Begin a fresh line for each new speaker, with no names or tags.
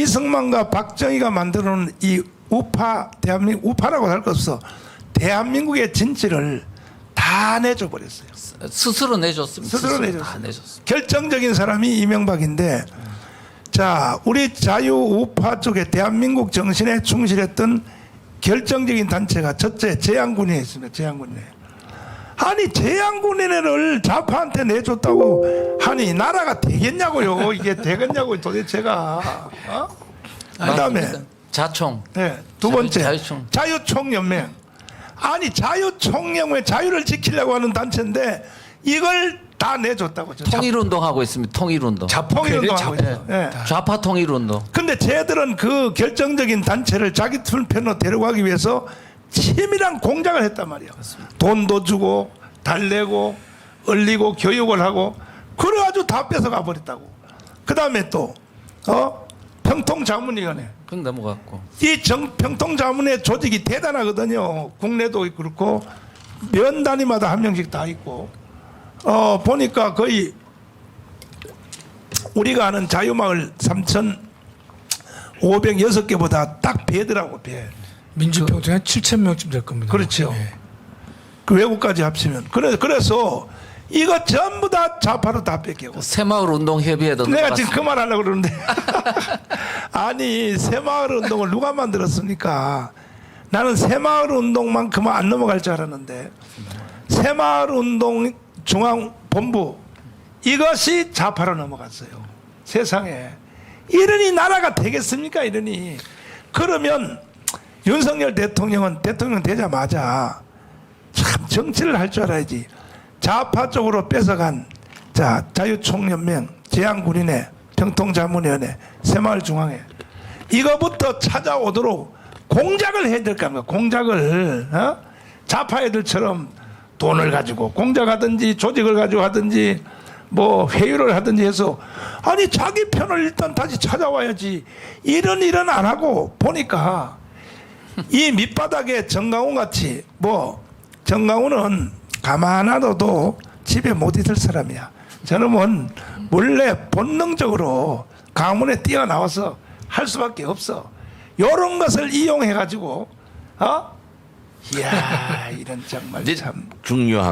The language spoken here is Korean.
이승만과 박정희가 만들어놓은 이 우파, 대한민국, 우파라고 할 것 없어. 대한민국의 진실을 다 내줘 버렸어요.
스스로 내줬습니다.
스스로 내줬어요.
다 내줬습니다.
결정적인 사람이 이명박인데, 자, 우리 자유 우파 쪽에 대한민국 정신에 충실했던 결정적인 단체가 첫째 재향군인회 있습니다. 재향군인회. 아니 재향군인회를 좌파한테 내줬다고 하니 나라가 되겠냐고요. 이게 되겠냐고 도대체가. 어? 그다음에
맞습니다. 자총.
네, 두 번째
자유총.
자유총연맹. 아니 자유총연맹 자유를 지키려고 하는 단체인데 이걸 다 내줬다고.
통일운동하고 있습니다. 통일운동.
통일운동하고 있어요. 네.
좌파 통일운동.
근데 쟤들은 그 결정적인 단체를 자기 편으로 데려가기 위해서 치밀한 공작을 했단 말이에요. 돈도 주고 달래고 얼리고 교육을 하고 그래가지고 다 뺏어가 버렸다고. 그 다음에 또 평통자문위원회.
그건 넘어갔고.
이 평통자문회 조직이 대단하거든요. 국내도 그렇고 면 단위마다 한 명씩 다 있고 보니까 거의 우리가 아는 자유마을 3,506개보다 딱 배더라고 배.
민주평통이 한 7,000명쯤 될 겁니다.
그렇죠.
네.
그 외국까지 합치면 그래서 이거 전부 다 좌파로 다 뺏기고.
새마을 운동 협의회도
내가 지금
넘어갔습니다.
그 말 하려고 그러는데 아니 새마을 운동을 누가 만들었습니까? 나는 새마을 운동만큼은 안 넘어갈 줄 알았는데 새마을 운동 중앙본부 이것이 좌파로 넘어갔어요. 세상에 이러니 나라가 되겠습니까? 이러니 그러면 윤석열 대통령은 대통령 되자마자 참 정치를 할 줄 알아야지. 좌파 쪽으로 뺏어간 자유총연맹, 재향군인회, 평통자문위원회, 새마을중앙회 이거부터 찾아오도록 공작을 해야 될 거 아닙니까? 공작을 좌파 애들처럼 돈을 가지고 공작하든지 조직을 가지고 하든지 뭐 회유를 하든지 해서 아니 자기 편을 일단 다시 찾아와야지. 이런 일은 안 하고 보니까 이 밑바닥에 정강훈 같이 정강훈은 가만 놔둬도 집에 못 있을 사람이야. 저놈은 원래 본능적으로 강문에 뛰어나와서 할 수밖에 없어. 이런 것을 이용해 가지고 이야 이런 정말 참
중요한